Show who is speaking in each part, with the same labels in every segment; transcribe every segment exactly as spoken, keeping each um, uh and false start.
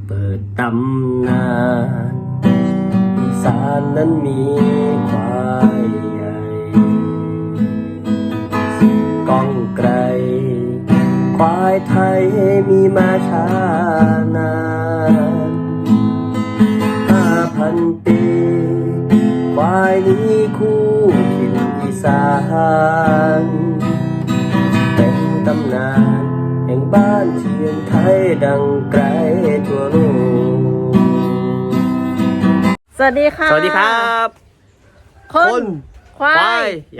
Speaker 1: เปิดตำนานอีสานนั้นมีควายใหญ่ก้องไกลควายไทยมีมาช้านานห้าพันปีควายนี้คู่ถิ่นอีสานเป็นตำนานแห่งบ้านเชียงไทยดังไกลทั่วโลก
Speaker 2: สวัสดีค่ะ
Speaker 1: สวัสดีครับ
Speaker 2: คนควา
Speaker 1: ควาย
Speaker 2: ย
Speaker 1: ใหญ่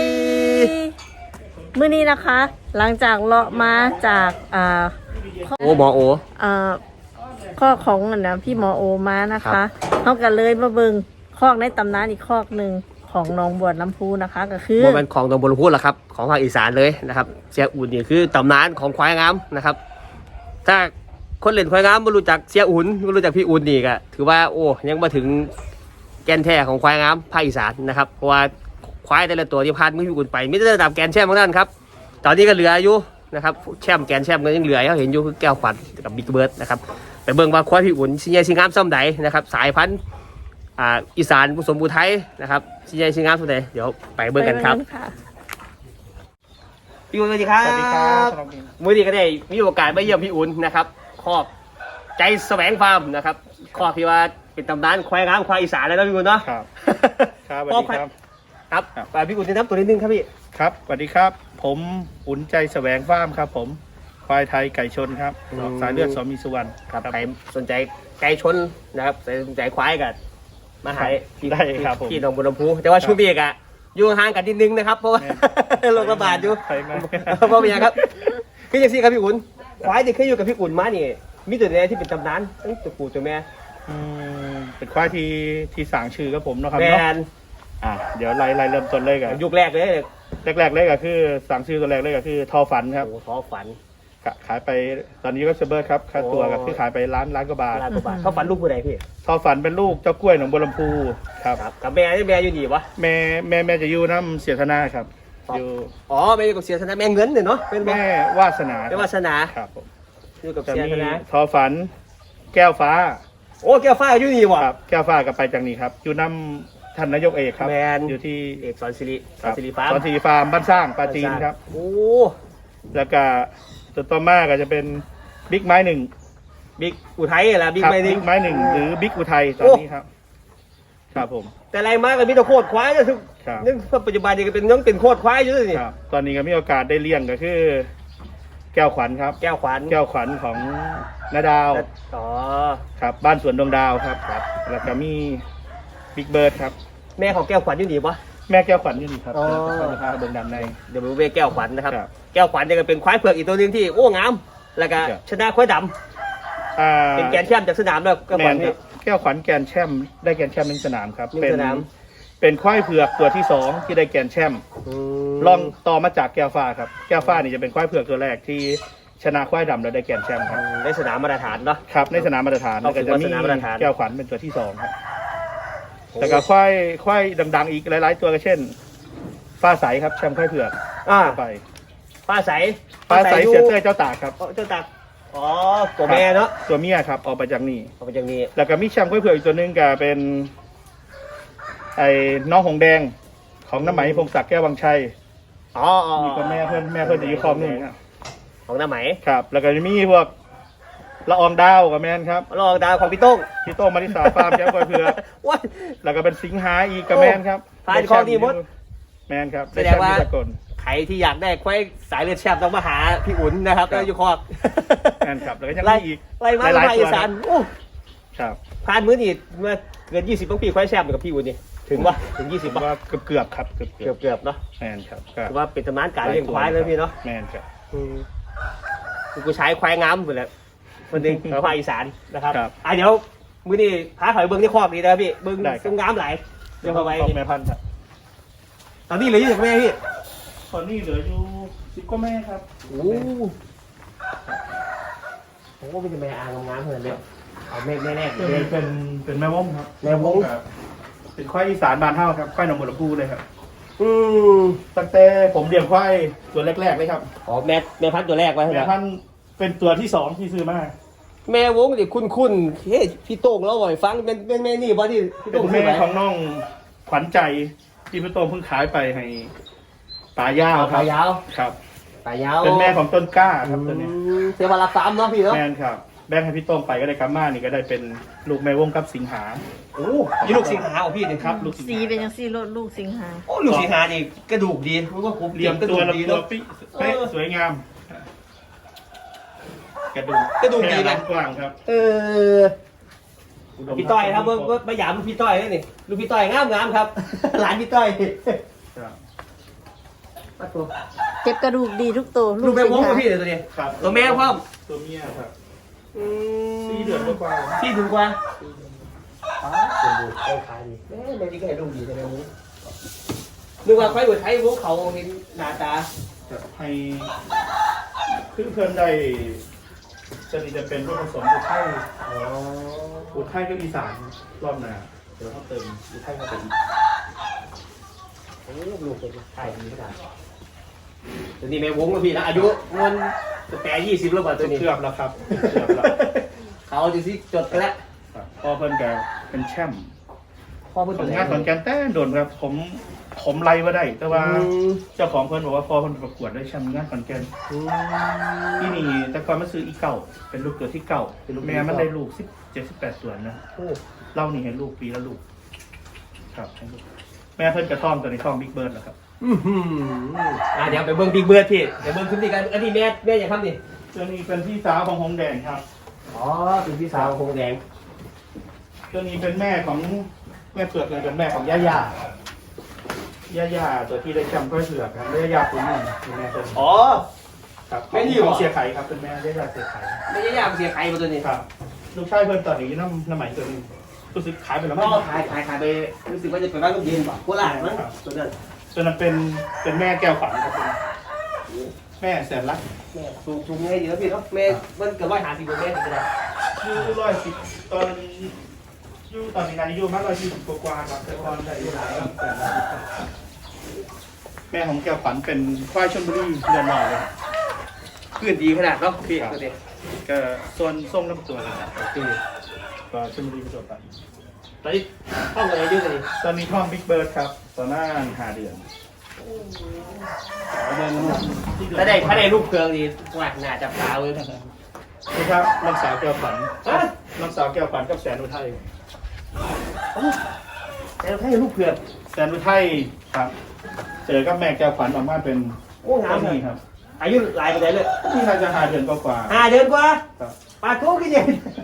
Speaker 2: มื้อนี้นะคะ หลังจากเลาะมาจากอ่า
Speaker 1: โอ้หมอโอ
Speaker 2: อ่าข้อของอันนะพี่หมอโอมานะ
Speaker 1: ครั
Speaker 2: คะ
Speaker 1: บ
Speaker 2: เขากันเลยมาเบิงคอกในตำนานอีกคอกหนึ่งของหนองบัวลำพูนะคะ ก็คือ
Speaker 1: มันเป็นของตำบลพูดแหละครับของภาคอีสานเลยนะครับเสียอุ่นนี่คือตำนานของควายงามนะครับถ้าคนเล่นควายงามไม่รู้จักเสียอุ่นไม่รู้จักพี่อุ่นนี่ก็ถือว่าโอ้ยังมาถึงแกนแท้ของควายงามภาคอีสานนะครับเพราะว่าควายแต่ละตัวที่ผ่านมือพี่อุ่นไปไม่ได้ระดับแกนแชมป์ของท่านครับตอนนี้ก็เหลืออยู่นะครับแชมป์แกนแชมป์ก็ยังเหลือเขาเห็นอยู่คือแก้วฝันกับบิ๊กเบิร์ดนะครับไปเบิ่งว่าควายพี่อุ่นสิใหญ่สิงามซ้ำใดนะครับสายพันธุ์อ่าอีสานผสมบูไทยนะครับสิใหญ่สิงามซ้ำใดเดี๋ยวไปเบิ่งกันครับ
Speaker 2: ไปเงะ
Speaker 1: พี่อุ่นสวัสดีครับ
Speaker 3: สวัสดีครับ
Speaker 1: มื้อนี้ก็ได้มีโอกาสมาเยี่ยมพี่อุ่นนะครับคอกใจแสวงฟาร์มนะครับคอกที่ว่าเป็นตำนานควายงามควายอีสานเลยนะพี่อุ่นเนาะ
Speaker 3: ครับ ครับสวัสดีครับ
Speaker 1: ครับ
Speaker 3: ครับ
Speaker 1: ไปพี่อุ่นแนะนำตัวนิดนึงครับพี่
Speaker 3: ครับสวัสดีครับ ผมอุ่นใจแสวงฟาร์มครับ ผมควายไทยไก่ชนครับ
Speaker 1: อืม
Speaker 3: สายเลือดสอมีสุวรรณ
Speaker 1: ครับใครสนใจไก่ชนนะครับใครสนใจควายกันมาหาพี่
Speaker 3: ได้ครับผม
Speaker 1: พี่หนองบัวลำพูแต่ว่าช่วงนี้อะอยู่ห่างกันนิดนึงนะครับเพราะว่า โรคระบาดอยู่
Speaker 3: ไปมา
Speaker 1: เพราะเป็นยังครับคืออย่างนี้ครับพี่อุ่นควายที่เคยอยู่กับพี่อุ่นมานี่มีตัวไหนที่เป็นตำนานตั้งตัวปู่ตัวแม่
Speaker 3: อืมเป็นควายที่ที่สั่งชื่อครับผมเนาะครับ
Speaker 1: แม
Speaker 3: เนาะ
Speaker 1: น
Speaker 3: อ่ะเดี๋ยวไล่ไล่เริ่มต้นเลยกัน
Speaker 1: ยุคแรกเลย
Speaker 3: แรกๆเลยก็คือสั่งชื่อตัวแรกเลยก็คือทอฝันครับ
Speaker 1: โอ้ท้อฝัน
Speaker 3: ขะขายไปตอนนี้ก็เซเบิร์ดครับค่าตัวก็คือขายไปล้านล้านกว่าบาท
Speaker 1: ล้านกว่าบาทเขาฝันลูกผู้ใดพี่
Speaker 3: ทอฝันเป็นลูกเจ้ากล้วยหนองบัวลำพูครับ
Speaker 1: ครับกับแม่นี่แม่อยู่นี่วะ
Speaker 3: แม่แม่แม่จะอยู่น้ำเสียธนาครับ
Speaker 1: ครับ
Speaker 3: อยู่
Speaker 1: อ๋อแม่อยู่กับเสียธนาแม่เงินเนี่ยเนาะเป็น
Speaker 3: แม่วาสนา
Speaker 1: แม่วาสนา
Speaker 3: ครับผม
Speaker 1: อยู่กับ
Speaker 3: จะ
Speaker 1: เสีย
Speaker 3: มี
Speaker 1: ธนา
Speaker 3: ทอฝันแก้วฟ้า
Speaker 1: โอ้แก้วฟ้าอยู่นี่วะ
Speaker 3: ครับแก้วฟ้ากับไปจากนี้ครับ อยู่น้ำท่านนายกเอกครับ
Speaker 1: แมน
Speaker 3: อยู่ที่
Speaker 1: เอกสอนสิริส
Speaker 3: ค
Speaker 1: อ
Speaker 3: รั
Speaker 1: น
Speaker 3: บ
Speaker 1: สิริฟาร์ม
Speaker 3: สอนสิริฟาร์มบ้านสร้างปราจีนครับ
Speaker 1: โอ้
Speaker 3: แล้วก็ตัวต่อมาก็จะเป็นบิ๊กไม้หนึ่ง
Speaker 1: บิ๊กอุทัยแหละบิ๊ก
Speaker 3: ครับ
Speaker 1: ไม่นิ่
Speaker 3: บิ๊
Speaker 1: ง
Speaker 3: กไม้หนึ่งหรือบิ๊กอุทัยตอน
Speaker 1: โอ้
Speaker 3: นี้ครับ ครับผม
Speaker 1: แต่ไรมากก็มีแต่โคตรควายเนี่ยทุก
Speaker 3: ครับ
Speaker 1: นี่ปัจจุบันนี่ก็เป็นยังเป็นโคตรควายอยู่เลยนี่
Speaker 3: ครับ ตอนนี้ก็มีโอกาสได้เลี้ยงก็คือ แก้วขวัญครับ
Speaker 1: แก้วขวัญ
Speaker 3: แก้วขวัญของนาดาว
Speaker 1: อ๋อ
Speaker 3: ครับ บ้านสวนดวงดาวครับ
Speaker 1: ครับ
Speaker 3: แล้วก็มีบิ๊กเบิร์ดครับ
Speaker 1: แม่ของแก้วขวัญอยู่นี่ปะ
Speaker 3: แม่แก้วขวัญอยู่นี่ครับ
Speaker 1: อ๋อ
Speaker 3: เดี๋ยวจะพาเดินดำใน
Speaker 1: เดี๋ยวไปเวแก้วขวัญนะครับ
Speaker 3: ครับ
Speaker 1: แก้วขวัญเนี่ยก็เป็นควายเผือกอีกตัวหนึงที่โอ้งาม แล้วก็
Speaker 3: ครับ
Speaker 1: ชนะควายด
Speaker 3: อ่า
Speaker 1: ำเป็นแกนแชมป์จากสนามแล้วแก้ว
Speaker 3: แม
Speaker 1: ขวัญ
Speaker 3: นค
Speaker 1: นี่
Speaker 3: รับแก้วขวัญแกรนด์แชมป์ได้แกรนด์แชมป์หนึ่งสนามครับ
Speaker 1: หนึ่ง
Speaker 3: เป็น
Speaker 1: สนาม
Speaker 3: เป็นควายเผือกตัวที่สองที่ได้แกรนด์แชมป์
Speaker 1: ม
Speaker 3: ลองต่อมาจากแก้วฟ้าครับแก้วฟ้านี่จะเป็นควายเผือกตัวแรกที่ชนะควายดำแล้วได้แกรนด์แชมป์ครับ
Speaker 1: ได้สนามมาตรฐานเนาะ
Speaker 3: ครับในสนามมาตรฐาน
Speaker 1: เอา
Speaker 3: แล้วก็จะมี
Speaker 1: ถือว่าสนามมาตรฐาน
Speaker 3: แก้วขวัญเป็นตัวที่สองครับแล้วก็ควายควายดังๆอีกหลายๆ ตัวก็เช่น ฟ้าใสครับแชมป์ควายเผือก
Speaker 1: อ่า
Speaker 3: ไป
Speaker 1: ป้าใส
Speaker 3: ฟ้าใส
Speaker 1: อยู่
Speaker 3: เสียเต้ยเจ้าตากครับ
Speaker 1: อ๋อเจ้าตักอ๋อตัวแม่เนาะ
Speaker 3: ตัวเมียครับออกไปจากนี่
Speaker 1: เอาไปอย่างนี้
Speaker 3: แล้วก็มีแชมป์ควายเผือกอีกตัวหนึงก็เป็น ไอ้น้องหงแดงของน้ำไหมพงศักดิ์แก้ววังชัย
Speaker 1: อ๋ออ๋อ
Speaker 3: มีคนแม่เพื่อนแม่เพื่อนจะอยู่คลองหนึ่งครับ
Speaker 1: ของน้าไหม
Speaker 3: ครับ แล้วก็จะมีพวกละอองดาวกับแมนครับ
Speaker 1: ลองดาวของพี่โต้ง
Speaker 3: พี่โต้งมาริสาฟาร์มแก้วควายเผือก
Speaker 1: ว้าย
Speaker 3: แล้วก็เป็นสิงหาอีกกับแมนครับ
Speaker 1: ฟาร์มของดีหมด
Speaker 3: แมนครับ
Speaker 1: แสดงว่า
Speaker 3: ไชมป์ที่สกล
Speaker 1: ใครที่อยากได้ควายสายเลือดแชมป์ต้องมาหาพี่อุ่นนะครับ
Speaker 3: ครับ
Speaker 1: แล้วอยู่คอก
Speaker 3: แมนครับ แล้วก็ยัง
Speaker 1: ไล่
Speaker 3: มีอีก
Speaker 1: ไล่มา
Speaker 3: หลายๆ
Speaker 1: ภาคอีสาน
Speaker 3: ตัวนะ
Speaker 1: โอ้
Speaker 3: ครับ
Speaker 1: ผ่านมื้อนี่เมื่อเกินยี่สิบปีควายแชมป์กับพี่อุ่นนี่ถึงวะถึงยี่
Speaker 3: ผ
Speaker 1: สิบ
Speaker 3: ม
Speaker 1: ป่ะ
Speaker 3: ว่าเกือบเกือบๆครับเกือบเกื
Speaker 1: เกื
Speaker 3: อ
Speaker 1: อ
Speaker 3: บบ
Speaker 1: เกือบๆเนาะ
Speaker 3: แมนครับก็
Speaker 1: ถือว่าเป็นตำนานการเลี้ยงควายเลยพี่เนาะ
Speaker 3: แมนครับ
Speaker 1: อืมกูใช้ควายงามหมดแล้วคนหนึ่งของภาคอีสานนะครับ
Speaker 3: ครับ
Speaker 1: อ่ะเดี๋ยวมื้อนี้พาถอยเบิ้งที่คอกนี้นะครับพี่เบิ้ง
Speaker 3: ได้ครับ
Speaker 1: ซึ่งงามหลายเดี๋ยวเข้าไป
Speaker 3: ของแม่พันธุ์ครับ
Speaker 1: ตอนนี้เหลือยี่สิบแม่พี่
Speaker 3: ตอนนี้เหลืออยู่สิบกว่าแม่ครับ
Speaker 1: โอ้ผมว่าเป็นแม่อางงามๆเหมือนเดิมเอาแม่แม่แรก
Speaker 3: เป็น
Speaker 1: เลย
Speaker 3: เป็นเป็นแม่วงครับ
Speaker 1: แม่วง
Speaker 3: ครับเป็นควายอีสานบานเท่าครับควายหนองบัวลำพูเลยครับ
Speaker 1: อืม
Speaker 3: ตั้งแต่ผมเลี้ยงควายตัวแรกๆเลยครับ
Speaker 1: อ๋อแม่แม่พันธุ์ตัวแรกไว้
Speaker 3: แม่
Speaker 1: เหรอ
Speaker 3: พันธุ์เป็นตัวที่สองที่ซื้อมา
Speaker 1: อแม่วงดิคุณคุณเฮ้ยพี่โต้งเล่าให้ฟังเป็นเป็นแม่นี่บ่ที่พี่
Speaker 3: เป็
Speaker 1: โต้ง
Speaker 3: น
Speaker 1: ซื้อ
Speaker 3: แม่
Speaker 1: ไป
Speaker 3: ของน้องขวัญใจที่พี่โต้งเพิ่งขายไปให้ป่ายาวค
Speaker 1: ป
Speaker 3: รั
Speaker 1: ลา
Speaker 3: บ
Speaker 1: ยาว
Speaker 3: ครับ
Speaker 1: ปลายาว
Speaker 3: เป็นแม่ของต้นกล้าครับตัวนี้
Speaker 1: อืมเสียวันละสามเนาะพี่เนาะ
Speaker 3: แม่นครับแบ่งให้พี่โต้งไปก็ได้กาม่านี่ก็ได้เป็นลูกแม่วงกับสิงหา
Speaker 1: โอ้ยลูกสิงหาของพี่เนี่ย
Speaker 3: ครับลูกสิง
Speaker 2: สี
Speaker 3: หา
Speaker 2: เป็นยังสีรถลูกสิงหา
Speaker 1: โอ้ลูกสิงหานี่กระดูกดีรู้ว่าผม
Speaker 3: เหลี่ยมตัว
Speaker 1: ดี
Speaker 3: ลำตั
Speaker 1: เนาะ
Speaker 3: วปิ๊เป๊ะสวยงามกระดูก
Speaker 1: กระดูกดีนะ
Speaker 3: แค่กว้างครับ
Speaker 1: เออพี่ต้อยครับเมื่อเมื่อมาหยามลูกพี่ต้อยนี่นี่ลูกพี่ต้อยงามงามครับ หลานพี่ต้อย
Speaker 3: ครับ
Speaker 1: มาตัว
Speaker 2: เจ็บกระดูกดีทุกตัว
Speaker 1: ลูกแม่
Speaker 2: สิ
Speaker 1: วง
Speaker 2: ง
Speaker 1: กับ
Speaker 2: หา
Speaker 1: พี่เลยตัวนี้
Speaker 3: ครับ
Speaker 1: ตัวแม่พ่อม
Speaker 3: ตัวเมียครับ
Speaker 1: อืม
Speaker 3: สี่เดือนกว่า
Speaker 1: สี่ถึงกว่าอ๋อตัวดูเอาขายดีแม่แม่นี่ก็ให้ลูกดีแต่แม่วงนึกว่าไฟหัวไทยวงเขาเห็นหน้าตา
Speaker 3: จะให้เพื่อนเพื่อนๆได้จะนี่จะเป็นลูกผสมอุทัย
Speaker 1: อ๋อ
Speaker 3: อุทัยกับอีสานรอบหน้าเดี๋ยวเขาเติมอุทัยเข้าไปอีก
Speaker 1: โอ้ลูกเป็นไทยดีขนาดตัวนี้แม่วงกับพี่นะอายุมันแปดยี่สิบแล้วกว่าตัวนี้
Speaker 3: เกือบแล้วครับเกือบแล้ว
Speaker 1: เขาจะซิจดกันแล้ว
Speaker 3: ครับพอเพิ่นแกเป็นแชมป์
Speaker 1: พ่อเพิ่ง
Speaker 3: ผลงานขอนแก่นแต่โดนครับผมผมไล่มาได้ แต่ว่าเจ้าของเพิ่นบอกว่าพอเพิ่นประกวดได้แชมป์งานขอนแก่นที่นี่แต่ก่อนมันซื้ออีเก่าเป็นลูกเกิดที่เก่าเป็นลูกแม่มันได้ลูกสิบเจ็ดสิบแปดตัวนะ
Speaker 1: โอ้
Speaker 3: เล่านี่ให้ลูกปีละลูกครับให้ลูกแม่เพิ่นกระท่อมตัวในท่อมบิ๊กเบิร์ดแล้วครับ
Speaker 1: อื้อหืออ่ะเดี๋ยวไปเบิ้งบิ๊กเบิร์ดพี่เดี๋ยวเบิ้งคลิปนี้กันอันนี้แม่แม่อย่าทำดิ
Speaker 3: ตัวนี้เป็นพี่สาวของหงแดงครับ
Speaker 1: อ๋อเป็นพี่สาวคงแดง
Speaker 3: ตัวนี้เป็นแม่ของแม่เผือกเลยเป็นแม่ของย่าย่าย่าย่าตัวที่ได้แชมป์ก็เผือกครับย่าย่าคุณนี่คือแม่ตัวนี้
Speaker 1: อ๋อ
Speaker 3: ครับ
Speaker 1: แม่นี่เหรอ
Speaker 3: ของเสียไข่ครับเป็นแม่ย่าย่าเสียไข่
Speaker 1: ไม่ใช่ยากเสียใครมาตัวนี้
Speaker 3: ครับลูกชายเพิ่นตอนนี้น้ำน้ำใหม่ตัวนึงรู้สึกขายไปแล้ว
Speaker 1: พ่
Speaker 3: มั้
Speaker 1: อง ขายขายขายไปรู้สึกว่าจะไปบ้านลูกเย็นป่ะโคราชมั้งตัวนั้น
Speaker 3: ตัวนั้นเป็นเป็นแม่แก้วฝันครับตัวนี้แม่แสนรัก
Speaker 1: แม่สูงสูงไงเยอะพี่เนาะแม่มันเกือบร้อยห้าสิบกว่าเมตรถึงจะได้
Speaker 3: อยู่ร้อยสิบตอนอยู่ตอนนี้อายุมากร้อยยี่สิบกว่าๆครับแต่ก่อนได้อายุหลายครับแสนรักแม่ของแก้วฝันเป็นควายชลบุรีเรือนหล่อเลย
Speaker 1: เพื่อนดีขนาดเนาะพี่ตัวนี้
Speaker 3: ก็ส่วนส้มน้ำตัวนะครับที่ก็ชลบุรีประจวบไป
Speaker 1: ตอนนี้ห้องอะไรเยอะเลย
Speaker 3: ตอนนี้ท่องบิ๊กเบิร์ดครับตอนหน้าหาเดือน
Speaker 1: ถ้าได้ถ้าได้ลูกเพลิงดีว่าน่าจะพาเลย
Speaker 3: นี่ครับน้องสาวแก้วฝัน
Speaker 1: ฮะ
Speaker 3: น้องสาวแก้วฝันกับแสนอุทัย
Speaker 1: แต่เราให้ลูกเผือก
Speaker 3: แสนอุทัยครับ เจอกับแม่แก้วฝันออกมาเป็น
Speaker 1: โอ้งามเลย
Speaker 3: นี่ครับ
Speaker 1: อายุหลายไปไหนเลย
Speaker 3: ที่น่าจะหาเดือนกว่า
Speaker 1: ห้าเดือนกว่า
Speaker 3: ๆครับ
Speaker 1: ปลาทูกี่เดือน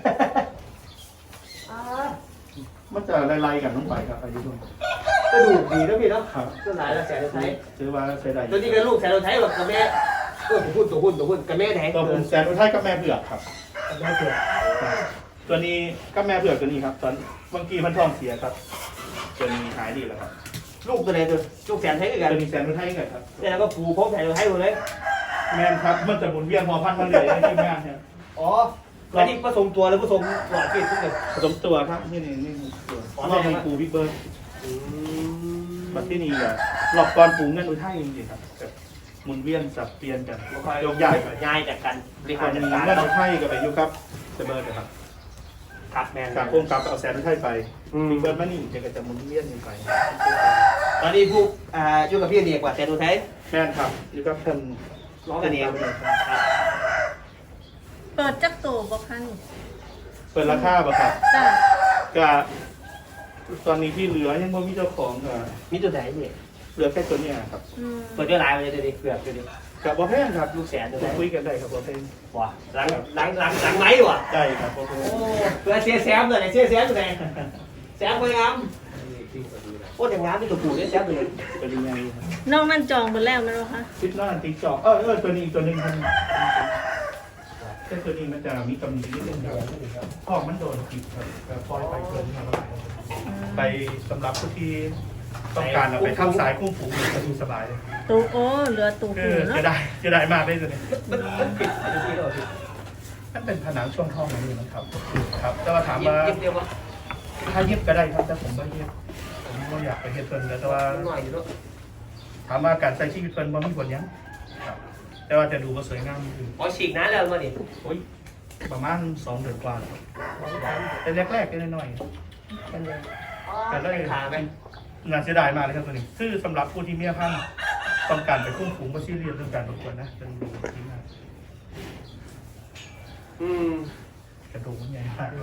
Speaker 3: มันจะไล่ๆกันลงไปครับอายุด้วย
Speaker 1: ก็ดูดีนะพี่เนาะ
Speaker 3: ครับ
Speaker 1: ก็หลายแล้วแสนไทย
Speaker 3: ถือว่าใช้ได้
Speaker 1: ตัวนี้ก็ลูกแสนไทยแบบกับแม่เออตัวหุ้นตัวหุ้นตัวหุ้นกับแม่แทน
Speaker 3: ตัวผมแสนอุทัยกับแม่เผือกครับ
Speaker 1: กับแม่เผือก
Speaker 3: ตัวนี้ก็แม่เผือกตัวนี้ครับ ตอนบางทีมันท้องเสียครับตัวนี้หายดีแล้วครับ
Speaker 1: ลูกตัวไหนตัวลูกแสนไทยด้วยกัน
Speaker 3: ตัวนี้แสนอุทัยกันครับ
Speaker 1: แล้วก็ผูกพกแสนไทยหมดเลย
Speaker 3: แม่นครับ มันจะหมุนเวียนพอพันมันเลยในที่แม่เนี่ย
Speaker 1: อ๋ออันนี้ผสมตัวหรือผสมหลอดพี่ทุกคน
Speaker 3: ผสมตัวครับนี่นี่นี่ตัว
Speaker 1: อ๋อ
Speaker 3: รอบนี้ปูบิ๊กเบิร์ดบัดที่นี่อะรอบก่อนปูเงินอุทัยจริงๆครับแบบหมุนเวียนสับเปลี่ยนกันโยกย้ายไป
Speaker 1: ย้ายจากกันบริ
Speaker 3: ต
Speaker 1: หา
Speaker 3: อ
Speaker 1: ร
Speaker 3: น
Speaker 1: จัด
Speaker 3: นี้
Speaker 1: การ
Speaker 3: เงินอุทัยกับไปอยู่ครับเซเบิร์ดนะครับ
Speaker 1: ครับแมน
Speaker 3: กับพวกกับเอาแสนอุทัยไปบิ๊กเบิร์ดมานี่เดี๋ยวก็จะหมุนเวียนกันไป
Speaker 1: ตอนนี้ผู้อ่าอยู่กับพี่เดียกว่าแสนไทย
Speaker 3: แม่นครับอยู่กับท่าน
Speaker 1: ร้องกันเองครับ
Speaker 2: เปิดจักโตบ่คะนี่
Speaker 3: เปิดราคาป่ะครับ
Speaker 2: จ้า
Speaker 3: ก็ตอนนี้ที่เหลือยังไม่มีเจ้าของก็
Speaker 1: มีตัวไหนเนี่ย
Speaker 3: เหลือแค่ตัวเนี้ยครับ
Speaker 2: อืม
Speaker 1: เปิดด้วยลายมาเลยเดี๋ยวนี้เผือกเดี๋ยวนี้
Speaker 3: กับบอแพงครับ
Speaker 1: ลูกแสนตัวไหน
Speaker 3: คุยกันได้ครับบอแพง
Speaker 1: ว้าหลังหลังหลังหลังไม้ว่ะ
Speaker 3: ได้ครับบอแพง
Speaker 1: โอ้เพื่อเสียแซมตัวไหนเสียแซมตัวไหนแซมไปงามโอ้ยงามที่ตัวปู่เนี่ยแซมตัวไหน
Speaker 3: เป็นยังไงครับ
Speaker 2: น้องนั่นจองหมดแล้วไหมวะคะ
Speaker 3: คิดว่าติ๊กจอกเออเออตัวนี้อีกตัวหนึงครับแค่ตัวนี้มันจะมีกำหนดนิดนึงครับข้อมันโดนผิดครับแต่ปล่อยไปเกินครับไปสำหรับผู้ที่ต้องการเอาไปเข้าสายคุ้มฝูงจะดูสบายเลย
Speaker 2: ตูโอ้เหลือตู
Speaker 3: เอ
Speaker 2: หู
Speaker 3: อ
Speaker 2: เนาะ
Speaker 3: จะได้จะได้มากได้ตัวนี้
Speaker 1: มันมันปิดอยู่ที่เราที่
Speaker 3: นั่นเป็นผนังช่วงท้องนี่นะครับ ครับ แต่ว่าถาม
Speaker 1: ยิบ
Speaker 3: ว่า
Speaker 1: ยิบเดียววะ
Speaker 3: ถ้าเย็บก็ได้ครับแต่ผมไม่เย็บผมก็อยากไปเฮ็ดเพิ่นแล้วแต่ว่า
Speaker 1: หน่อยอยู่แล้ว
Speaker 3: ถามว่าการใช้ชีวิตเพิ่นบ่มีผลหยังครับ แต่ว่าจะดูว่าสวยงามอยู่
Speaker 1: อ๋อฉีกน้ำแล้วมาดิ
Speaker 3: โอ้ยประมาณสองเดือนกว่าครับแต่แรกๆก็น้อยๆกันเลยแต่เลย
Speaker 1: ขาไหม
Speaker 3: น่าเสียดายมากเลยครับตัวนี้คือสำหรับผู้ที่มีพันธุ์ต้องการไปคุ้มฝูงก็ซีเรียสเรื่องการประกวดนะเป็นดูที่มาก
Speaker 1: อืม
Speaker 3: กระดูกมันใหญ่มาก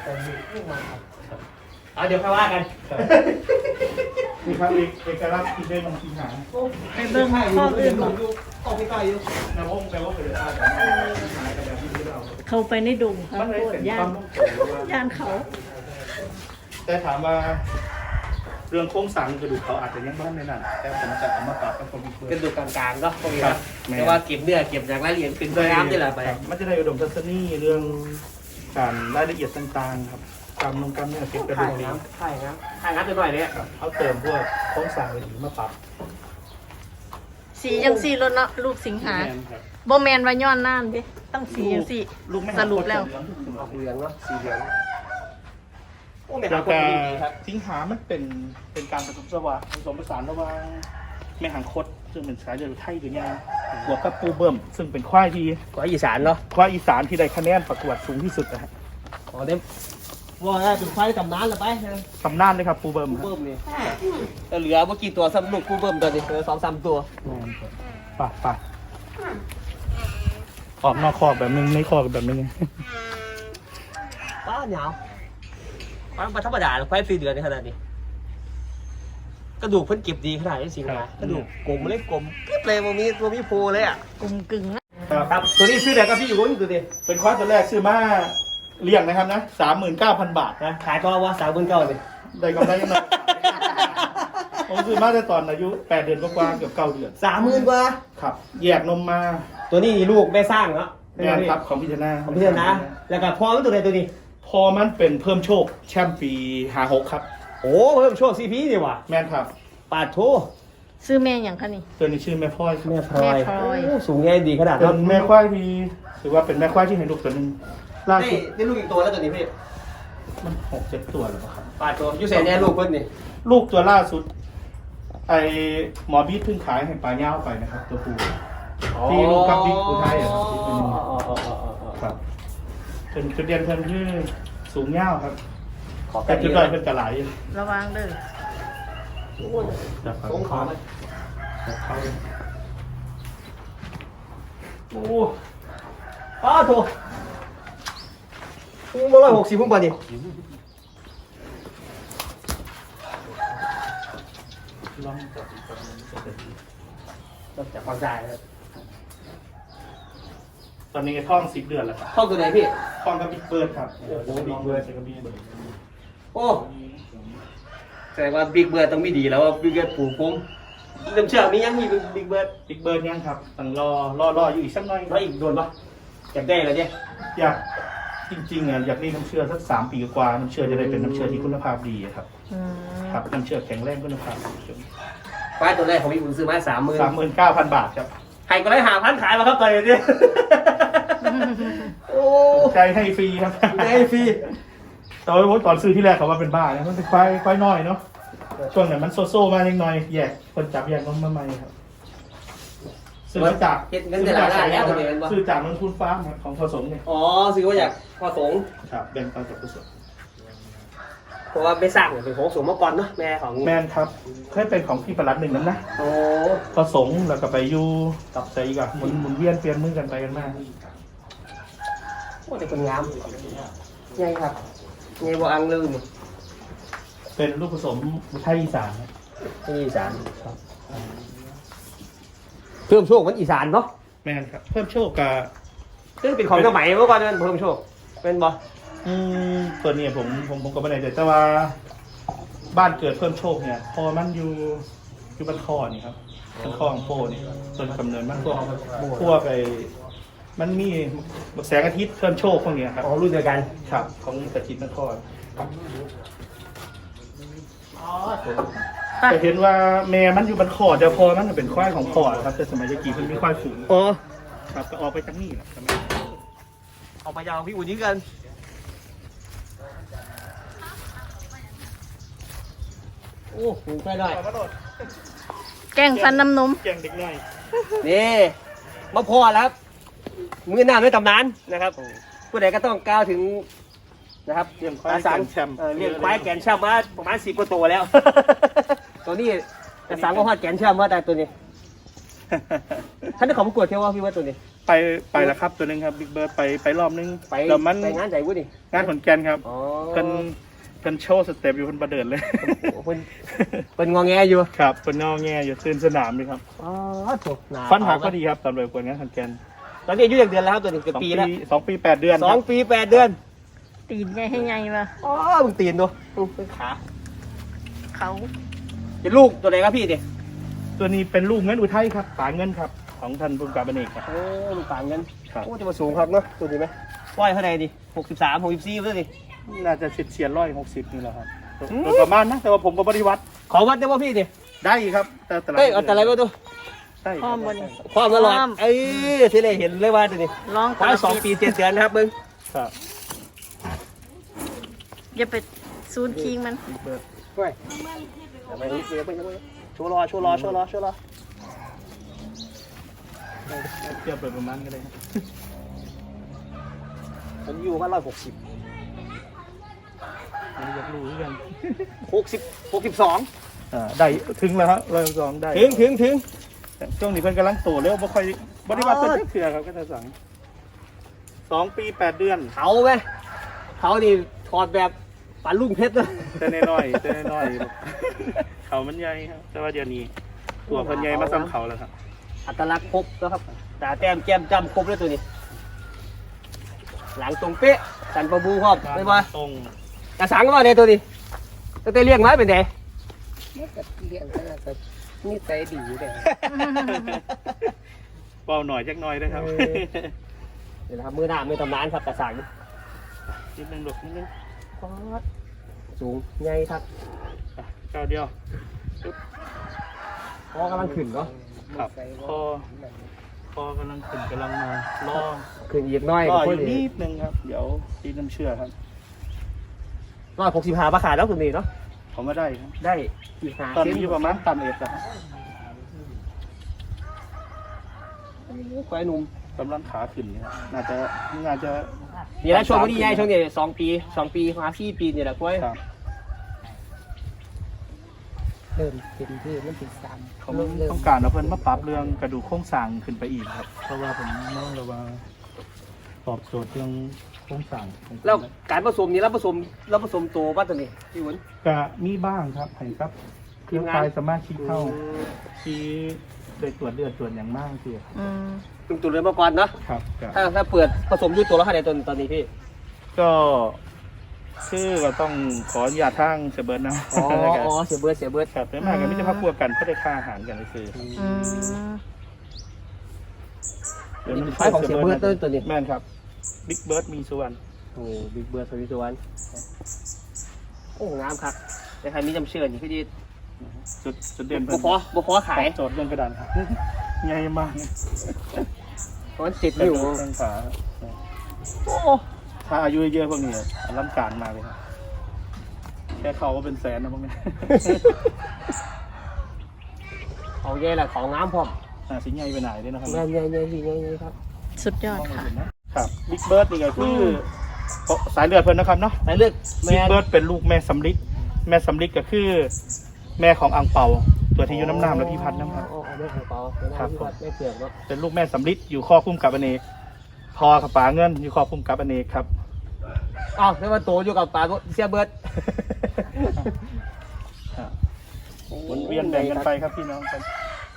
Speaker 1: เอาเดี๋ยวค่อยว่ากัน
Speaker 3: นี่ครับเอกลักษณ์ที่ได้ลงทีหาง
Speaker 2: ไปเบิ่งข้ออื่นบ่
Speaker 1: ออกไปไกลอยู่
Speaker 3: แนววงแปลว่าเป็นอะไรแต่หายกันแบบที่เรา
Speaker 2: เข้าไปในดงครับ
Speaker 3: มันเลย
Speaker 2: โคต
Speaker 3: เป็น
Speaker 2: รย่า
Speaker 3: ความ
Speaker 2: น
Speaker 3: นุ่มตัวว่า
Speaker 2: ย่านเขา
Speaker 3: แต่ถามว่าเรื่องโครงสร้างกระดูกเขาอาจจะยังไม่ได้นั่นแต่ผมจะเอามาปรับกับคนมีเพื่
Speaker 1: ก
Speaker 3: อ
Speaker 1: ระดูกกลางๆเนาะพวกนี้
Speaker 3: ครั
Speaker 1: นะ
Speaker 3: บแม่
Speaker 1: แต่ว่าเก็บเนื้อเก็บอย่างรายละเอียดเป็นน้ำนี่แหละไป
Speaker 3: มันจะได้อุดมทัศนีเรื่องการรายละเอียดต่างๆครับกรรมลงกรรมเนี่ยเก็บกระดู
Speaker 1: ถ่าย
Speaker 3: กนี้
Speaker 1: น้ำถ่ายน้ำถ่ายน้ำไปหน่อยเนี่ย
Speaker 3: ครับเขาเติมพวกโครงสร้างอะไรมาปรับ
Speaker 2: สีจังสี่รถเนาะลูกสิงหา
Speaker 3: แม่นครับ
Speaker 2: บ่แม่นว่าย้อนน่านเด้ต้องสีจังสี่
Speaker 3: ลูกไม่
Speaker 2: สรุปแล้ว
Speaker 1: ออกเหลืองเนาะสีเหลืองโอ้แม่
Speaker 3: แล้
Speaker 1: หาว ค
Speaker 3: ก็
Speaker 1: นดีครับ
Speaker 3: สิงหามันเป็นเป็นการผสมสวะผสมผสานระหว่างแม่หางคดซึ่งเป็นสายเลือดไทยหรือยาบวกกับปูเบิ่มซึ่งเป็นควายที่
Speaker 1: กว่าอีสานเนาะ
Speaker 3: ควายอีสานที่ได้คะแนนประกวดสูงที่สุดนะฮะ
Speaker 1: อ๋อเด้ว่าได้เป็นควายตำนานเลยไป
Speaker 3: ตำนานเลยครับปูเบิ่มครับ
Speaker 1: เบิ่มนี่แต่เหลือเมื่อกี้ตัวสำนุกกูเบิ่มตัวนี้เหลือสองสามตัว
Speaker 3: ป่ะป่ะออกนอกคอกแบบนึงในคอกแบบนึง
Speaker 1: ป้าเหนียวมันธรรมดาควายฟรีเดือนในขนาดนี้กระดูกเพิ่นเก็บดีขนาดนี้สิครับกระดูกกลมเล็กกลมกริบเลยมันมีตัวมีโพเลยอ่ะ
Speaker 2: กลุ่มกึ่งนะ
Speaker 1: ครับตัวนี้ซื้อไหนครับพี่อยู่นี่ดูดิ
Speaker 3: เป็นควายตัวแรกซื้อมาเลี้ยงนะครับนะสามหมื่นเก้าพันบาท
Speaker 1: นะขายก็ว่าสามหมื่นเก้าเลย
Speaker 3: ได้กำไรยังไง ผมซื้อมาได้ตอนอายุแปดเดือนกว่าๆเกือบเก้าเดือน
Speaker 1: สามหมื่นกว่า
Speaker 3: ครับ แยกนมมา
Speaker 1: ตัวนี้ลูกแม่สร้างเนาะ
Speaker 3: แม่นครับของพิจารณา
Speaker 1: ของพี่เถอะนะแล้วก็พอมันตัวไหนตัวนี้
Speaker 3: พอมันเป็นเพิ่มโชคแชมป์ปีหาหกครับ
Speaker 1: โอ้เพิ่มโชคซีพีดีว่ะ
Speaker 3: แม่นครับ
Speaker 1: ปาดโถ
Speaker 2: ซื้อแม่หยังคะนี่
Speaker 3: ตัวนี้ชื่อแม่พลอย
Speaker 1: แม่พลอย
Speaker 2: แม่พลอย
Speaker 1: โอ้สูงใหญ่ดีขนาด
Speaker 3: เป็
Speaker 1: นั้น
Speaker 3: นแม่ควายที่ถือว่าเป็นแม่ควายที่เห็นลูกตัวหนึงล่า
Speaker 1: ได้
Speaker 3: สุด
Speaker 1: ได้ลูกอีกตัวแล้วตัวนี้พี่
Speaker 3: มันหกเจ็ดตัวแล้วครับ
Speaker 1: ปาดโถยูเซนเนี่ยลูกเพิ่นนี่
Speaker 3: ลูกตัวล่าสุด ไอหมอบีทเพิ่งขายให้ปลาเง่าไปนะครับ ตัวผู้ที่ลูกกับบิ๊กอุทัยอะครับที่เป็น
Speaker 1: อ๋ออ๋ออ๋ออ๋ออ๋อ
Speaker 3: ครับเป็นจุดเด่นเพิ่นคือสูงเง่าครับ
Speaker 1: ขอ
Speaker 3: แต่
Speaker 1: แป๊บ
Speaker 3: จุด
Speaker 1: เดียว
Speaker 3: ด้อยเพิ่นกระไหล
Speaker 2: ระวังเด้อ
Speaker 3: นะครับ
Speaker 1: สงขามัน
Speaker 3: เขา
Speaker 1: โอ้ป้าโถโอ้มาร้อยหกสิบพุ่งไปดิ
Speaker 3: ลองจับอีกตัวหนึ่งจะเป็น
Speaker 1: ต้องจับความใจครับ
Speaker 3: ตอนนี้ท้องสิบเดือนแล้วครับ
Speaker 1: ห้องตัวไหนพี่
Speaker 3: ท้องกับบิ๊กเบิร์ดครับโอ้โหบิ๊กเบิร์ดใช่กับบิ๊กเบิร์ด
Speaker 1: โอ้แสดงว่าบิ๊กเบิร์ดต้องมีดีแล้วว่าบิ๊กเบิร์ดผูกผมเริ่มเชื่อมียังมีบิ๊กเบิร์ด
Speaker 3: บิ๊กเบิร์ดยังครับต้องรอรอรออยู่อีกสักหน่อย
Speaker 1: แล้วอีกโดนปะอยากได้แล้วเนี่ย
Speaker 3: อยากจริงๆอ่ะอยากได้น้ำเชื่อสักสามปีกว่าน้ำเชื่อจะได้เป็นน้ำเชื่อที่คุณภาพดีอะครับ
Speaker 2: อืม
Speaker 3: ครับน้ำเชื่อแข็งแรงคุณภาพ
Speaker 1: ควายตัวแรกของพี่อุ่นซื้อมาสามหมื่น
Speaker 3: สามหมื่นเก้าพันบาทครับ
Speaker 1: ใครก็ได้หาพันขายมาครับตอนนี้โอ้
Speaker 3: ใจให้ฟรีครับ
Speaker 1: ได้ฟรี
Speaker 3: ตอนตอนซื้อที่แรกเขาว่าเป็นบ้านะมันเป็นควายควายน้อยเนาะช่วงนั้นมันโซโซ่มาเล็กน้อยแยกคนจับแยกนมมาใหม่ครับซื้อมาจาก
Speaker 1: เฮ็ดเงินแต่ละได้แล้วตัวนี้เป็นปะ
Speaker 3: ซื้อจากนนทุนฟ้าร์มครับของผสมเนี่ย
Speaker 1: อ๋อซื้อมาจากพอสงฆ์
Speaker 3: ครับแบ่งปันกับผสม
Speaker 1: เพราะว่าไม่สร้างเป็นของสงฆ์มาก่อนเนาะแม่ของ
Speaker 3: แมนครับเคยเป็นของพี่ประหลัดหนึ่งนั้นนะ
Speaker 1: โอ้
Speaker 3: ผสมแล้วก็ไปอยู่กับใจกับหมุนหมุนเวียนเปลี่ยนมือกันไปกันมา
Speaker 1: โหแต่คนงามใหญ่ครับใหญ่บ่อังลืม
Speaker 3: เป็นลูกผสมไทยอีสานครับ
Speaker 1: ที่อีสานครับเพิ่มโชคมันอีสานเนาะ
Speaker 3: แมนครับ เพิ่มโชคกับ
Speaker 1: ซึ่งเป็นของสมัยเมื่อก่อนมันเพิ่มโชคเป็นบ่
Speaker 3: อืมตัวเนี้ผมผมผมก็ไม่ได้แต่ว่าบ้านเกิดเพิ่มโชคเนี่ย พอมันอยู่อยู่บ้านคอนี่ครับบ้านคอของโปนี่ต้นกำเนิดมันพวกพวกไอ้มันมีแสงอาทิตย์เพิ่มโชคพวกเนี้ยครับ
Speaker 1: อ๋อรุ่นเดียวกัน
Speaker 3: ครับของตะจิตนคร
Speaker 1: อ๋อ
Speaker 3: แต่เห็นว่าแม่มันอยู่บ้านคอแต่พอมันเป็นควายของพ่อครับแต่สมัยตะกี้มันมีควายฝูง
Speaker 1: อ๋อ
Speaker 3: ครับก็ออกไปจากนี่แหละครับ
Speaker 1: ออกมายาวพี่อุ่นนี้กันโอ้หูใกล้ได้
Speaker 2: แกงฟันน้ำนม
Speaker 3: แกงเด็กน้อย
Speaker 1: นี่มาพอแล้วครับมือหน้าไม่ตำนานนะครับผู้ใดก็ต้องกล่าวถึงนะครับ
Speaker 3: เลี้ยงควาย
Speaker 1: ตาสัง
Speaker 3: แกนแชมป์
Speaker 1: เออเลี้ยงควายแกนแชมป์มาประมาณสิบกว่าตัวแล้ว ตัวนี้ตาสังก็ฮอดแกนแชมป์ว่าแต่ตัวนี้ท่านได้ของประกวดเที่ยวว่าพี่ว่าตัวนี้
Speaker 3: ไปไปแล้วครับตัวหนึงครับบิ๊กเบิร์ดไปไปรอบนึง
Speaker 1: ไป
Speaker 3: แล้วมัน
Speaker 1: ไปงานใจวุ้ดิ
Speaker 3: งานขอนแก่นครับ
Speaker 1: อ๋อ
Speaker 3: เป็นเป็นโชว์สเต็ปอยู่คนประเดินเลย
Speaker 1: เป็นเป็นงอแงอยู่
Speaker 3: ครับเป็นนอกแง่อยู่ตื่นสนามเลยครับ
Speaker 1: อ๋อถูกหนา
Speaker 3: ฟันหักก็ดีครับตอนไปประกวดงานขอนแก่น
Speaker 1: ตอนนี้อายุอย่างเดือนแล้วครับตัวนี้เกือบ
Speaker 3: สอง
Speaker 1: ปี
Speaker 3: ปี
Speaker 1: แล้ว
Speaker 3: สองปีแปดเดือน
Speaker 1: สองปีแปดเดือน
Speaker 2: ตีนใหญ่ให้ใหญ่มา
Speaker 1: อ๋อมึงตีนดูมึงเป็นขา
Speaker 2: เขา
Speaker 1: เป็นลูกตัวไหนครับพี่เนี่ย
Speaker 3: ตัวนี้เป็นลูกเงินอุทัยครับป่าเงินครับของท่านผู้การบันเอกครับ
Speaker 1: โอ้มันต่างกัน
Speaker 3: ครับ
Speaker 1: โอ้จะมาสูงครับเนาะตัวนี้ไหมว่ายเท่าไหร่ดิหกสิบสามหกสิบสี่เพื่อนดิ
Speaker 3: น่าจะเฉียดเฉียดร้อยหกสิบนี่แหละครับ
Speaker 1: อืม
Speaker 3: โดยประมาณนะแต่ว่าผมก็บริวัติ
Speaker 1: ขอวัดได้ป่ะพี่ดิ
Speaker 3: ได้ครับแต่แต่ละ
Speaker 1: เอ้ยเอาแต่อะไรมาดู
Speaker 3: ได้
Speaker 2: พร้อมบน
Speaker 1: ความตลอดเอ้ยที่เลยเห็นเลยว่าตัวนี้
Speaker 2: ร้อง
Speaker 1: ควายสองปีเจ็ดเดือนนะครับมึง
Speaker 3: ครับ
Speaker 2: อย่าไปซูนคิงมัน
Speaker 3: บิ๊กเบิร์ด
Speaker 1: เฮ้ยเดี๋ยวไปเดี๋ยวไปเดี๋ยวไปโชว์รอโชว์รอโชว์รอโชว์รอ
Speaker 3: เทียบไปประมาณกันเลยครับ
Speaker 1: ผมอยู่ว่าร้อยหกสิบ
Speaker 3: อันนี้อยากรู้เหมือนกัน
Speaker 1: หกสิบหกสิบสอง
Speaker 3: อ่าได้ถึงแล้วครับร้อยสองได้
Speaker 1: ถึงถึงถึง
Speaker 3: ช่วงนี้เพิ่นกำลังโตแล้วบ่ค่อยบริวัติเพิ่นได้เถื่อครับก็จะสั่งสองปีแปดเดือน
Speaker 1: เขาไหมเขานี่ถอดแบบปลาลุ่งเพชรเลย
Speaker 3: แต่น้อยๆแต่น้อยๆเขามันใหญ่ครับแต่ว่าเดี๋ยวนี้ตัวเพิ่นใหญ่มาซ้ำเขาแล้วครับ
Speaker 1: อัตลักษณ์ครบแล้วครับตาแต้มแก้มจำครบเลยตัวนี้ หลังตรงเป๊ะสันประบูครอบไม่ว่า
Speaker 3: ตรง
Speaker 1: กระสังก็ว่าในตัวนี้ตั้งแต่เลี้ยงไว้เป็นไง
Speaker 4: เลี้ยงก็แล้วก็นิสัยดีเลย
Speaker 3: เบาหน่อยจักหน่อยนะครับ
Speaker 1: เดี๋ยวนะครับมือหน้ามือตำนานครับกระสัง
Speaker 3: นิดนึงลูกนิดนึง
Speaker 1: สูงใหญ่ครับ
Speaker 3: อ่ะเก้าวเดียว
Speaker 1: พอกำลังขึ้นเนาะ
Speaker 3: ครับพอพอกำลังขึ้นกำลังมาล่อ
Speaker 1: ขึ้นอีกน้อย
Speaker 3: ล่อ
Speaker 1: ก็
Speaker 3: อ
Speaker 1: พอยู่ ดี
Speaker 3: นิดนึงครับ เดี๋ยวตีน้ำเชื่อครับ
Speaker 1: ร้อยหกสิบห้าบาทขายแล้วตัวนี้เนาะ
Speaker 3: ผมว่าได้ครับ
Speaker 1: ได้อีกห้า
Speaker 3: ตอน
Speaker 1: เซน
Speaker 3: นี้อยู่ประมาณตันเอ็ดครับ
Speaker 1: ควายหนุ่ม
Speaker 3: กำลังขาขึ้นเนี่ยน่าจะน่าจะ
Speaker 1: นี่แหละช่วงวันนี้ใหญ่ช่วงนี้สองปีสองปีมาสี่ปีนี่แหละควาย
Speaker 3: ครับ
Speaker 4: เริ่มเต็มที่มันถึงสาม
Speaker 3: เขา
Speaker 4: เริ่มเริ่ม
Speaker 3: ต้องการเอาเพิ่นมาปรับเรื่องกระดูกโครงสร้างขึ้นไปอีกครับ เพราะว่าผมมองแล้วว่าตอบโจทย์เรื่องโครงสร้างของผม
Speaker 1: แล้วการผสมนี่เราผสมเราผสมตัวป่ะตัวนี้พี่หวน
Speaker 3: ก็มีบ้างครับให้ครับเครือข่ายสมาชิกเข้าที่ได้ตรวจเลือดตรวจอย่างมากทีครับ
Speaker 2: อืม
Speaker 1: ตึงตัวเรือมาก่อนเนาะ
Speaker 3: ครับก็
Speaker 1: ถ้าถ้าเปิดผสมด้วยตัวแล้วค่ะในตอนตอนนี้พี่
Speaker 3: ก็คือเราต้องขออนุญาตทางเสยเบิร์ดนะ
Speaker 1: อ๋ออ๋อเสียเบิร์ดเสียเบิร์ด
Speaker 3: ครับแต่มากกันไม่จะพักพวกกันเพื่อได้ค่าอาหารกันเลยคือ
Speaker 2: อืม
Speaker 3: เดี๋ยวมัน
Speaker 1: ไฟของเสียเบิร์ดตัวตัวนี้
Speaker 3: แม่นครับบิ๊กเบิร์ดมีสุวรรณ
Speaker 1: โอ้บิ๊กเบิร์ดสวิตวันโอ้งามครับแต่ใครมีจำเชื่อนี่พี่ดี
Speaker 3: จุดจุดเด่น
Speaker 1: บ่พอบ่พอขาย
Speaker 3: โจทย์เรื่องกระดานครับใหญ่มาก
Speaker 1: เพราะมันติด
Speaker 3: กระ
Speaker 1: อยู่
Speaker 3: ดูกต้นขา
Speaker 1: โอ้
Speaker 3: ถ้าอายุเยอะๆพวกนี้อลังการมากเลยครับแค่เขาก็เป็นแสนนะพวกนี้
Speaker 1: เขาใหญ่แหละเขางามพร้อม
Speaker 3: อ่าสิใหญ่ไปไหนด้วยนะครับ
Speaker 1: ใหญ่ใหญ่ใหญ่พี่ใหญ่ใหญ่ครับ
Speaker 2: สุดยอดค่ะ
Speaker 3: ครับบิ๊กเบิร์ดนี่ก็คือสายเลือดเพิ่นนะครับเนาะ
Speaker 1: ไปเลือกแม
Speaker 3: บิ๊ก
Speaker 1: น
Speaker 3: เบิร์ดเป็นลูกแม่สำลิดแม่สำลิดก็คือ แม่ของอังเปาตัวที่อยู่น้ำน้ำและพี่พัดนะครับ
Speaker 1: อ๋อแม่ของเปาแม่
Speaker 3: ครับ
Speaker 1: พี่พัดแม่เผือกเนาะ
Speaker 3: เป็นลูกแม่สำลิดอยู่ข้อคุ้มกับอเนกพอกับป๋าเงินอยู่ข้อคุ้มกับอเนกครับ
Speaker 1: อ้าวแล้วมาโตอยู่กับปลาเสียเบิร์ด
Speaker 3: อ่าหมุนเวียนแบ่งกันไปครับพี่น้องครับ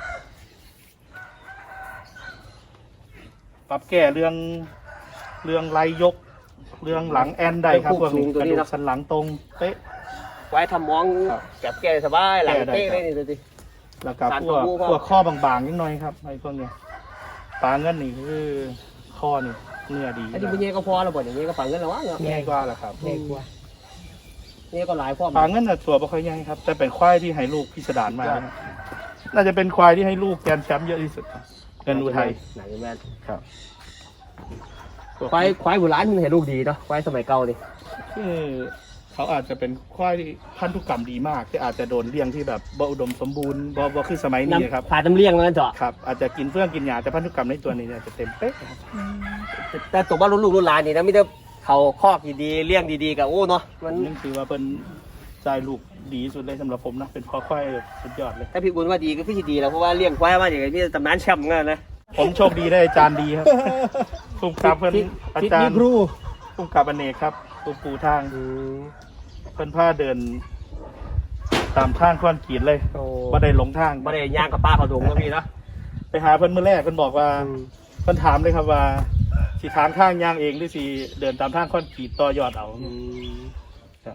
Speaker 3: ปรับแก้เรื่องเรื่องไหลยก เรื่องหลังแอนได้ครับพวกนี้กระดูกสันหลังตรงเป๊ะ
Speaker 1: ไว้ทำมอง
Speaker 3: ครับ
Speaker 1: แก็บแก่สบายหลัง
Speaker 3: แก้ได้
Speaker 1: เต้
Speaker 3: ครับ
Speaker 1: เลยนี่ดูดิ
Speaker 3: แล้วก็
Speaker 1: สาร
Speaker 3: พวก
Speaker 1: ตัวผู้พ่อ
Speaker 3: พวกข้อบางๆนิดหน่อยครับไอ้พวกเนี้ยปลาเงินนี่คือข้อนี่เนื้อดี
Speaker 1: อันนี้เป็นเงี้ยก็พอแล้วบ่อย่างเงี้ยก็ฝังเงินแล้ววะเนาะ
Speaker 3: ง่ายกว่าแหละครับ
Speaker 4: ใหญ่กว่า
Speaker 1: เงี้ยก็หลายพร้อม
Speaker 3: ปลาเงินน่ะตัวบ่ค่อยใหญ่ครับแต่เป็นควายที่ให้ลูกพิสดารมากนะครับน่าจะเป็นควายที่ให้ลูกแกรนด์แชมป์เยอะที่สุดครับเงินอุทัย
Speaker 1: ไหนแม่น
Speaker 3: ครับ
Speaker 1: ควายควายโบราณมันเห็นลูกดีเนาะควายสมัยเก่านี่
Speaker 3: คือเขาอาจจะเป็นควายพันธุกรรมดีมากที่อาจจะโดนเลี้ยงที่แบบบ่อุดมสมบูรณ์บ่บ่คือสมัยนี้ครับ
Speaker 1: ผ่าน้ำเลี้ยงแล้วเจาะ
Speaker 3: ครับอาจจะกินเฟื่องกินหญ้าแต่พันธุกรรมในตัวนี้เนี่ยจะเต็มเป๊ะครับ
Speaker 1: แต่ตัวบ้านรุ่นลูกรุ่นหลานนี่นะไมแต่ได้เขาคอกดีๆเลี้ยงดีๆกับโอ้เนาะมัน
Speaker 3: นั่นคือว่าเป็นใจลูกดีที่สุดเลยสำหรับผมนะเป็นพ่อควายสุดยอดเลย
Speaker 1: ถ้าพี่อุ่นว่าดีก็พี่สิดีแล้วเพราะว่าเลี้ยงควายมาอย่างนี้ตำนานแชมป์เงี้ยนะ
Speaker 3: ผมโชคดีได้อาจารย์ดีครับภูมิกับเพิ่นอาจารย์ภูมิกับอเนกครับปูปูทางเพิ่นพาเดิน ตามทางคอนกรีตเลย
Speaker 1: โอ้
Speaker 3: บ่ได้หลงทาง
Speaker 1: บ่ได้ย่างกับป้าเขาดงก็พี่เนาะ
Speaker 3: ไปหาเพิ่นมื้อแรกเพิ่นบอกว่าเพิ่นถามเลยครับว่าสิทางทางย่างเองหรือสิเดินตามทางคอนกรีตต่อยอดเอา
Speaker 1: อืม
Speaker 3: ครับ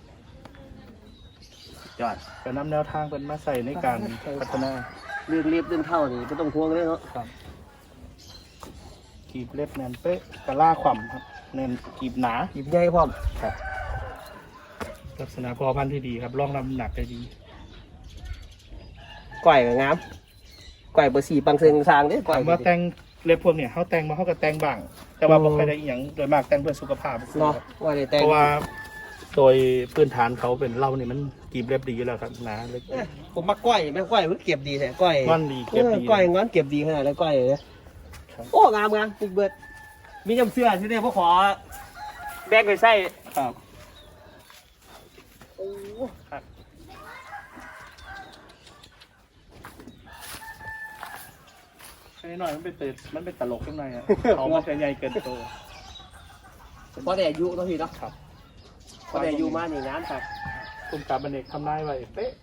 Speaker 1: ยอด
Speaker 3: ก็นำแนวทางเพิ่นมาใส่ในการพัฒนา
Speaker 1: เรื่องเรียบเรื่องเท่านี่ก็ต้องทวงเลยเนาะ
Speaker 3: ครับกีบเล็บแน่นเป๊ะกะล่าขว่ำครับแน่นกีบหนา
Speaker 1: หยิบใหญ่พร้อม
Speaker 3: ครับลักษณะพอพันธุ์ที่ดีครับรองรับน้ำหนักได้ดี
Speaker 1: ก้อยก็งามก้อยเบอร์สี่ปังเซิงสร้างเด้ก้อย
Speaker 3: ถามว่าแต่งเล็บพวกเนี่ยเขาแต่งมาเขาก็แต่งบ้าง แต่ว่าบ่ค่อยได้อหย่างโดยมากแต่งเพื่อสุขภาพ
Speaker 1: เนาะว่าได้แต่ง
Speaker 3: เพราะว่าโดยพื้นฐานเขาเป็นเหล้านี่มันกีบเล็บดีอยู่แล้วครับหนาเล็ก
Speaker 1: เอ้ยผมมาก้อยแม่ก้อยมันเก็บดีแท้ก้อย
Speaker 3: งอนดีเก็บดี
Speaker 1: ออก้อยงอนเก็บดีขนาดนั้นก้อยเลย
Speaker 3: ครับ
Speaker 1: โอ้งามงามปุ๊กเบิดมีจำเสื้อที่นี่พวกขอแบกไปใส่
Speaker 3: ครับ
Speaker 1: โอ้
Speaker 3: ครับแค่นี้หน่อยมันเป็นตื่นมันเป็นตลกขึ้นหน่อยอ่ะเขามันจะใหญ่เกินตัว
Speaker 1: พอแต่อายุเนาะพี่เนาะ
Speaker 3: ครับ
Speaker 1: พอแต่อายุมานี่งามครับ
Speaker 3: คุณกับบันเอกทำนายไว้เป๊ะ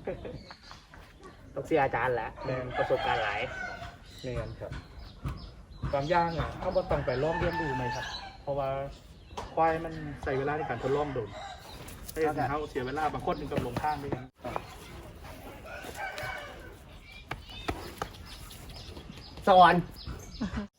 Speaker 1: ต้องเสียอาจารย์แหละ
Speaker 3: แม่น
Speaker 1: ประสบการณ์หลาย
Speaker 3: เนียนครับบางอย่างอ่ะเขาบ่ต้องไปลองเรียนรู้ไหมครับ เพราะว่าควายมันใส่เวลาในการทดลองโดนถ้าอย่างนั้นเขาเสียเวลาบางคนถึงกับหลงทางด้วยกัน
Speaker 1: สอน